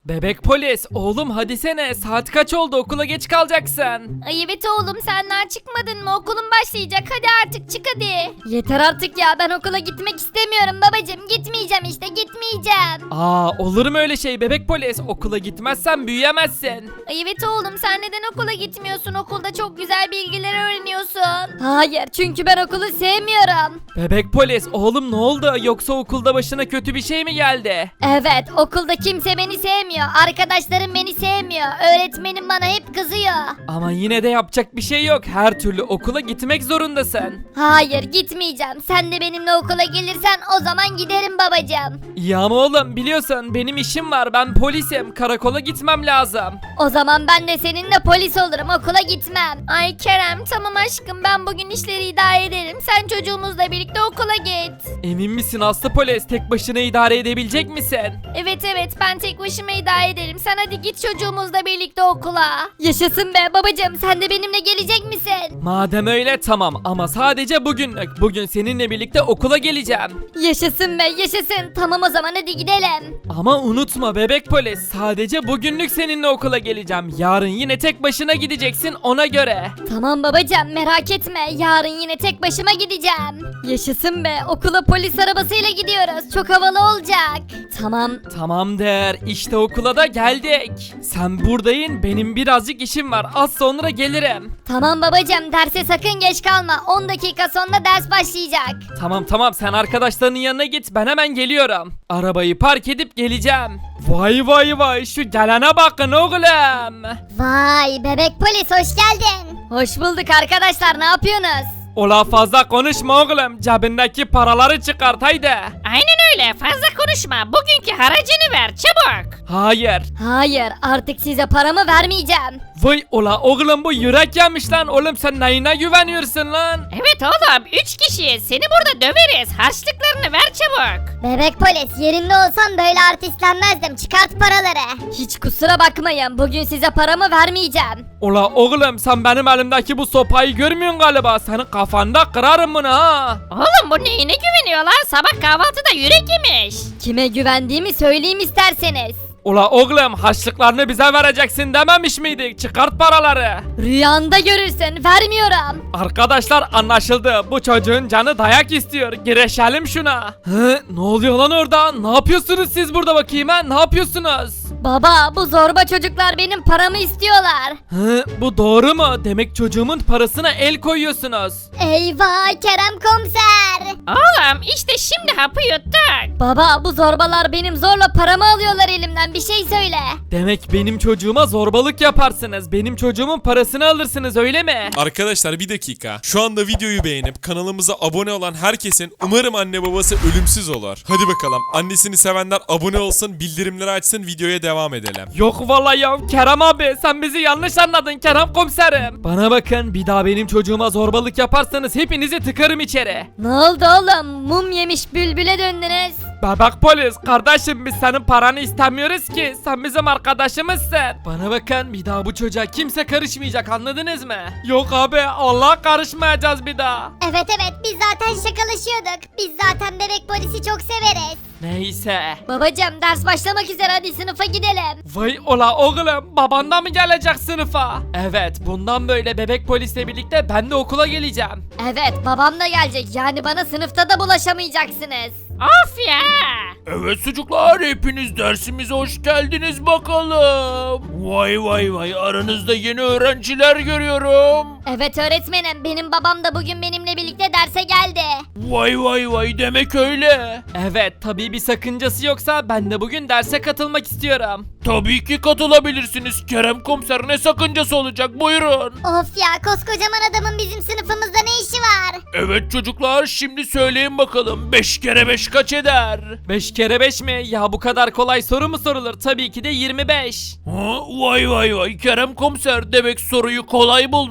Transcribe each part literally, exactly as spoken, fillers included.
Bebek polis, oğlum hadi sene, saat kaç oldu, okula geç kalacaksın. Ay evet oğlum sen daha çıkmadın mı? Okulun başlayacak. Hadi artık çık hadi. Yeter artık ya ben okula gitmek istemiyorum babacım. Gitmeyeceğim işte gitmeyeceğim. Aa, olur mu öyle şey bebek polis, okula gitmezsen büyüyemezsin. Ay evet oğlum sen neden okula gitmiyorsun? Okulda çok güzel bilgiler öğreniyorsun. Hayır çünkü ben okulu sevmiyorum. Bebek polis, oğlum ne oldu, yoksa okulda başına kötü bir şey mi geldi? Evet okulda kimse beni sevmiyor. Arkadaşlarım beni sevmiyor. Öğretmenim bana hep kızıyor. Ama yine de yapacak bir şey yok, her türlü okula gitmek zorundasın. Hayır gitmeyeceğim. Sen de benimle okula gelirsen o zaman giderim babacığım. İyi ama oğlum, biliyorsun benim işim var, ben polisim, karakola gitmem lazım. O zaman ben de seninle polis olurum okula gitmem. Ay Kerem tamam aşkım ben bugün işleri idare ederim. Sen çocuğumuzla birlikte okula git. Emin misin Aslı polis, tek başına idare edebilecek misin? Evet evet ben tek başıma idare ederim. Sen hadi git çocuğumuzla birlikte okula. Yaşasın be babacığım sen de benimle gelecek misin? Madem öyle tamam, ama sadece bugünlük. Bugün seninle birlikte okula geleceğim. Yaşasın be yaşasın. Tamam o zaman hadi gidelim. Ama unutma bebek polis, sadece bugünlük seninle okula geleceğim. Yarın yine tek başına gideceksin, ona göre. Tamam babacığım merak etme. Yarın yine tek başıma gideceğim. Yaşasın be okula polis arabasıyla gidiyoruz. Çok havalı olacak. Tamam. Tamamdır, işte okula da geldik. Sen buradayın, benim birazcık işim var, az sonra gelirim. Tamam babacığım derse sakın geç kalma. on dakika sonra ders başlayacak. Tamam tamam, sen arkadaşlarının yanına git, ben hemen geliyorum. Arabayı park edip geleceğim. Vay vay vay, şu gelene bakın oğlum. Vay bebek polis hoş geldin. Hoş bulduk arkadaşlar ne yapıyorsunuz? Ola fazla konuşma oğlum, cebindeki paraları çıkart haydi. Aynen öyle fazla konuşma bugünkü haracını ver çabuk. Hayır. Hayır artık size paramı vermeyeceğim. Vay ola oğlum, bu yürek yemiş lan, oğlum sen neyine güveniyorsun lan? Evet oğlum üç kişiyiz seni burada döveriz harçlıklarını ver çabuk. Bebek polis yerinde olsam böyle artistlenmezdim çıkart paraları. Hiç kusura bakmayın bugün size paramı vermeyeceğim. Ola oğlum, sen benim elimdeki bu sopayı görmüyorsun galiba, senin kafanda kırarım bunu ha. Oğlum bu neyine güveniyor lan sabah kahvaltıda yürek yemiş. Kime güvendiğimi söyleyeyim isterseniz. Ula oğlum, harçlıklarını bize vereceksin dememiş miydik? Çıkart paraları. Rüyanda görürsün vermiyorum. Arkadaşlar anlaşıldı. Bu çocuğun canı dayak istiyor. Gireşelim şuna. Hı, ne oluyor lan orada? Ne yapıyorsunuz siz burada bakayım ha? Ne yapıyorsunuz? Baba bu zorba çocuklar benim paramı istiyorlar. Hı, bu doğru mu? Demek çocuğumun parasına el koyuyorsunuz. Eyvah Kerem komiser. Oğlum işte şimdi hapı yuttuk. Baba bu zorbalar benim zorla paramı alıyorlar elimden bir şey söyle. Demek benim çocuğuma zorbalık yaparsınız. Benim çocuğumun parasını alırsınız öyle mi? Arkadaşlar bir dakika. Şu anda videoyu beğenip kanalımıza abone olan herkesin umarım anne babası ölümsüz olur. Hadi bakalım. Annesini sevenler abone olsun, bildirimleri açsın, videoya devam edelim. Yok vallahi ya Kerem abi, sen bizi yanlış anladın Kerem komiserim. Bana bakın, bir daha benim çocuğuma zorbalık yaparsanız hepinizi tıkarım içeri. Ne oldu oğlum mum yemiş bülbüle döndünüz. Bebek polis kardeşim, biz senin paranı istemiyoruz ki, sen bizim arkadaşımızsın. Bana bakın, bir daha bu çocuğa kimse karışmayacak, anladınız mı? Yok abi, Allah karışmayacağız bir daha. Evet evet biz zaten şakalaşıyorduk. Biz zaten bebek polisi çok severiz. Neyse. Babacım ders başlamak üzere hadi sınıfa gidelim. Vay ola oğlum, baban da mı gelecek sınıfa? Evet, bundan böyle bebek polisle birlikte ben de okula geleceğim. Evet babam da gelecek yani bana sınıfta da bulaşamayacaksınız. Of ya. Evet çocuklar hepiniz dersimize hoş geldiniz bakalım. Vay vay vay aranızda yeni öğrenciler görüyorum. Evet öğretmenim benim babam da bugün benimle birlikte derse geldi. Vay vay vay demek öyle. Evet, tabii bir sakıncası yoksa ben de bugün derse katılmak istiyorum. Tabii ki katılabilirsiniz. Kerem komiser ne sakıncası olacak buyurun. Of ya koskocaman adamın bizim sınıfımızda ne işi var? Evet çocuklar şimdi söyleyin bakalım beş kere beş kaç eder? beş kere beş mi? Ya bu kadar kolay soru mu sorulur? Tabii ki de yirmi beş. Ha, vay vay vay Kerem komiser demek soruyu kolay buldun öyle mi?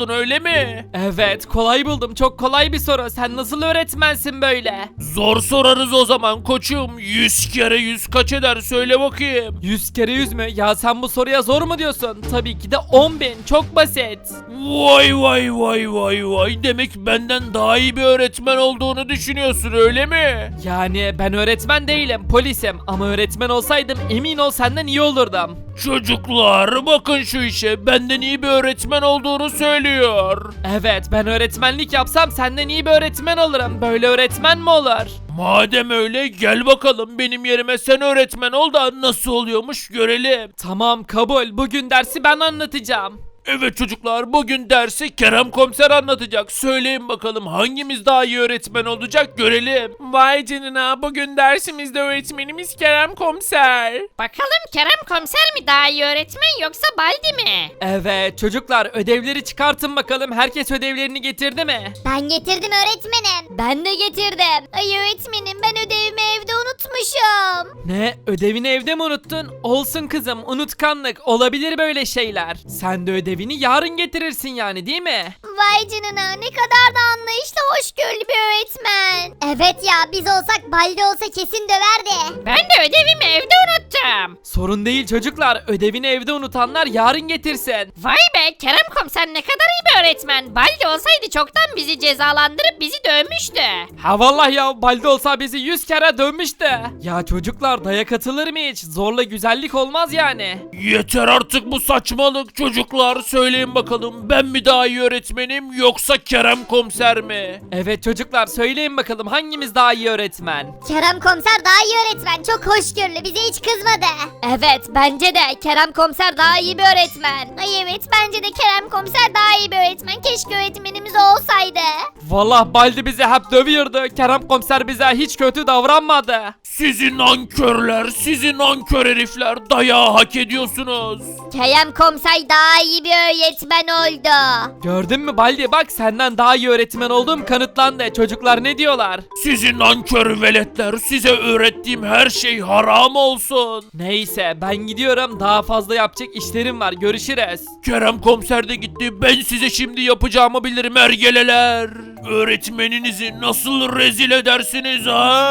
mi? Evet kolay buldum, çok kolay bir soru. Sen nasıl öğretmensin böyle? Zor sorarız o zaman koçum. Yüz kere yüz kaç eder söyle bakayım. yüz kere yüz mü? Ya sen bu soruya zor mu diyorsun? Tabii ki de on bin, çok basit. Vay vay vay vay vay. Demek benden daha iyi bir öğretmen olduğunu düşünüyorsun öyle mi? Yani ben öğretmen değilim, polisim. Ama öğretmen olsaydım emin ol senden iyi olurdum. Çocuklar bakın şu işe. Benden iyi bir öğretmen olduğunu söylüyor. Evet, ben öğretmenlik yapsam senden iyi bir öğretmen olurum. Böyle öğretmen mi olur? Madem öyle gel bakalım benim yerime sen öğretmen ol da nasıl oluyormuş görelim. Tamam, kabul. Bugün dersi ben anlatacağım. Evet çocuklar bugün dersi Kerem Komiser anlatacak. Söyleyin bakalım hangimiz daha iyi öğretmen olacak görelim. Vay canına bugün dersimizde öğretmenimiz Kerem Komiser. Bakalım Kerem komiser mi daha iyi öğretmen yoksa Baldi mi? Evet çocuklar, ödevleri çıkartın bakalım. Herkes ödevlerini getirdi mi? Ben getirdim öğretmenim. Ben de getirdim. Ay öğretmenim ben ödevimi evde unutmuşum. Ne? Ödevini evde mi unuttun? Olsun kızım, unutkanlık. Olabilir böyle şeyler. Sen de ödevini yarın getirirsin yani, değil mi? Vay canına ne kadar da anlayışlı hoşgörülü bir öğretmen. Evet ya biz olsak Baldi olsa kesin döverdi. Ben de ödevimi evde unuttum. Sorun değil çocuklar. Ödevini evde unutanlar yarın getirsin. Vay be Kerem komiser ne kadar iyi bir öğretmen. Baldi olsaydı çoktan bizi cezalandırıp bizi dövmüştü. Ha vallahi ya, Baldi olsa bizi yüz kere dövmüştü. Ya çocuklar, dayak atılır mı hiç? Zorla güzellik olmaz yani. Yeter artık bu saçmalık çocuklar. Söyleyin bakalım ben mi daha iyi öğretmenim yoksa Kerem Komiser mi? Evet çocuklar, söyleyin bakalım hangimiz daha iyi öğretmen? Kerem komiser daha iyi öğretmen. Çok hoşgörülü bize hiç kızmadı. Evet bence de Kerem komiser daha iyi bir öğretmen. Ay evet bence de Kerem komiser daha iyi bir öğretmen. Keşke öğretmenimiz o olsaydı. Vallahi Baldi bizi hep dövüyordu. Kerem komiser bize hiç kötü davranmadı. Sizin nankörler, sizin nankör herifler dayağı hak ediyorsunuz. Kerem komiser daha iyi bir öğretmen oldu. Gördün mü Baldi, bak senden daha iyi öğretmen olduğum kanıtlandı. Çocuklar ne diyorlar? Sizin nankör veletler, size öğrettiğim her şey haram olsun. Neyse ben gidiyorum, daha fazla yapacak işlerim var, görüşürüz. Kerem Komiser de gitti, ben size şimdi yapacağımı bilirim ergeleler. Öğretmeninizi nasıl rezil edersiniz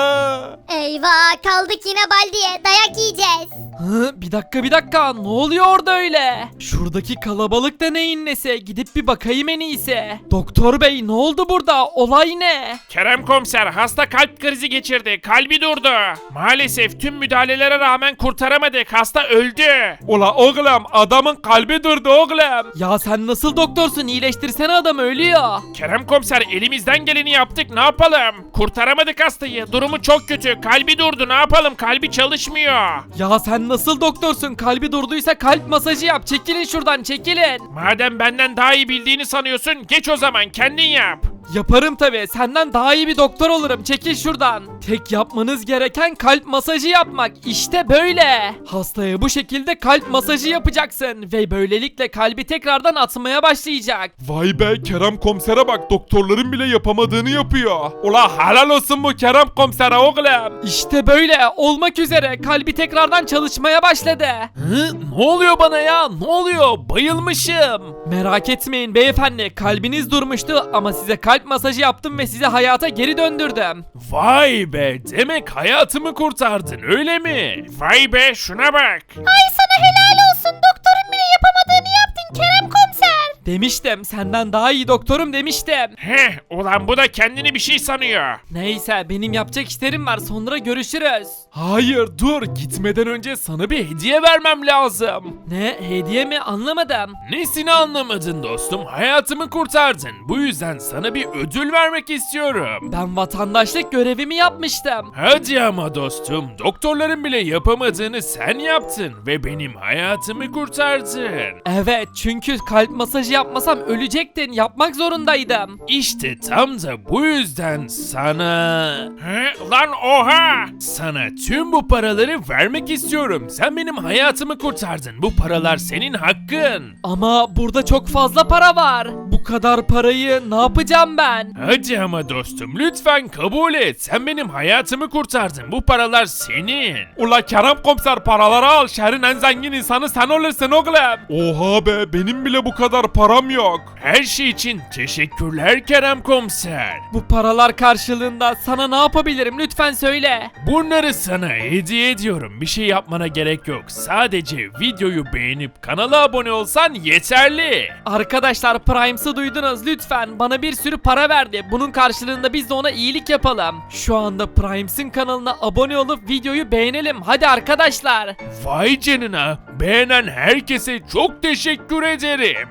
ha? Eyvah kaldık yine Baldi'ye dayak yiyeceğiz. Hı, bir dakika bir dakika, ne oluyor orada öyle? Şuradaki kalabalık da neyin nesi? Gidip bir bakayım en iyisi. Doktor bey ne oldu burada? Olay ne? Kerem Komiser hasta kalp krizi geçirdi, kalbi durdu. Maalesef tüm müdahalelere rağmen kurtaramadık, hasta öldü. Ula oğlum, adamın kalbi durdu oğlum. Ya sen nasıl doktorsun? İyileştirsene, adam ölüyor. Kerem Komiser elimizden geleni yaptık, ne yapalım? Kurtaramadık hastayı, durumu çok kötü, kalbi durdu, ne yapalım, kalbi çalışmıyor. Ya sen nasıl doktorsun? Kalbi durduysa kalp masajı yap. Çekilin şuradan, çekilin. Madem benden daha iyi bildiğini sanıyorsun, geç o zaman kendin yap. Yaparım tabi. Senden daha iyi bir doktor olurum. Çekil şuradan. Tek yapmanız gereken kalp masajı yapmak. İşte böyle. Hastaya bu şekilde kalp masajı yapacaksın. Ve böylelikle kalbi tekrardan atmaya başlayacak. Vay be, Kerem Komiser'e bak, doktorların bile yapamadığını yapıyor. Ula helal olsun bu Kerem komisere oğlum. İşte böyle olmak üzere. Kalbi tekrardan çalışmaya başladı. Hı? Ne oluyor bana ya? Ne oluyor? Bayılmışım. Merak etmeyin beyefendi. Kalbiniz durmuştu ama size kalp masajı yaptım ve sizi hayata geri döndürdüm. Vay be, demek hayatımı kurtardın öyle mi? Vay be, şuna bak. Ay sana helal olsun doktorun bile yapamadığını yaptın Kerem komiser. Demiştim, senden daha iyi doktorum demiştim. Heh, ulan bu da kendini bir şey sanıyor. Neyse, benim yapacak işlerim var, sonra görüşürüz. Hayır dur, gitmeden önce sana bir hediye vermem lazım. Ne, hediye mi, anlamadım. Nesini anlamadın dostum? Hayatımı kurtardın. Bu yüzden sana bir ödül vermek istiyorum. Ben vatandaşlık görevimi yapmıştım. Hadi ama dostum, doktorların bile yapamadığını sen yaptın ve benim hayatımı kurtardın. Evet, çünkü kalp masajı yapmasam ölecektin, yapmak zorundaydım. İşte tam da bu yüzden sana... He, lan oha! Sana tüm bu paraları vermek istiyorum. Sen benim hayatımı kurtardın. Bu paralar senin hakkın. Ama burada çok fazla para var. Bu kadar parayı ne yapacağım ben? Hadi ama dostum lütfen kabul et. Sen benim hayatımı kurtardın. Bu paralar senin. Ula Kerem komiser paraları al. Şehrin en zengin insanı sen olursun oğlum. Oha be benim bile bu kadar param yok. Her şey için teşekkürler Kerem komiser. Bu paralar karşılığında sana ne yapabilirim lütfen söyle. Bunları sana hediye ediyorum. Bir şey yapmana gerek yok. Sadece videoyu beğenip kanala abone olsan yeterli. Arkadaşlar Primes'ı duydunuz lütfen bana bir sürü para verdi. Bunun karşılığında biz de ona iyilik yapalım. Şu anda Primes'in kanalına abone olup videoyu beğenelim. Hadi arkadaşlar. Vay canına. Beğenen herkese çok teşekkür ederim.